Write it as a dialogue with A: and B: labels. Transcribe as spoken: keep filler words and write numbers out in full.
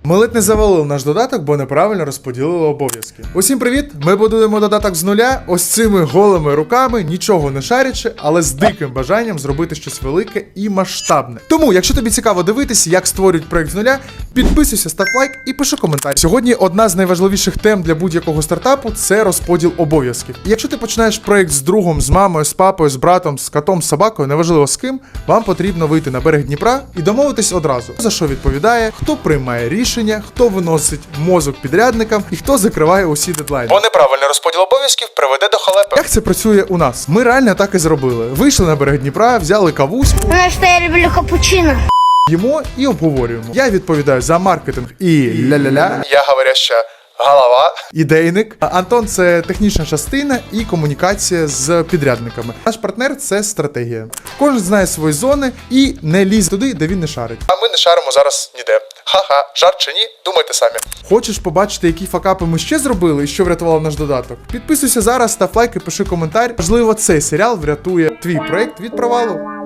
A: Ми ледь не завалили наш додаток, бо неправильно розподілили обов'язки. Усім привіт! Ми будуємо додаток з нуля, ось цими голими руками, нічого не шарячи, але з диким бажанням зробити щось велике і масштабне. Тому, якщо тобі цікаво дивитись, як створюють проект з нуля, підписуйся, став лайк і пиши коментар. Сьогодні одна з найважливіших тем для будь-якого стартапу – це розподіл обов'язків. І якщо ти починаєш проект з другом, з мамою, з папою, з братом, з котом, з собакою, неважливо з ким, вам потрібно вийти на берег Дніпра і домовитись одразу, за що відповідає, хто приймає рішення, хто виносить мозок підрядникам і хто закриває усі дедлайни. Бо неправильний розподіл обов'язків приведе до халепи. Як це працює у нас? Ми реально так і зробили. Вийшли на берег Дніпра, взяли кавусь.
B: Потому что я люблю капучино.
A: Їмо і обговорюємо. Я відповідаю за маркетинг і ля-ля-ля. Я говоряща голова. Ідейник. Антон – це технічна частина і комунікація з підрядниками. Наш партнер – це стратегія. Кожен знає свої зони і не лізе туди, де він не шарить. А ми не шаримо зараз ніде. Ха-ха, жарт чи ні? Думайте самі. Хочеш побачити, які факапи ми ще зробили і що врятувало наш додаток? Підписуйся зараз, став лайк і пиши коментар. Можливо, цей серіал врятує твій проект від провалу.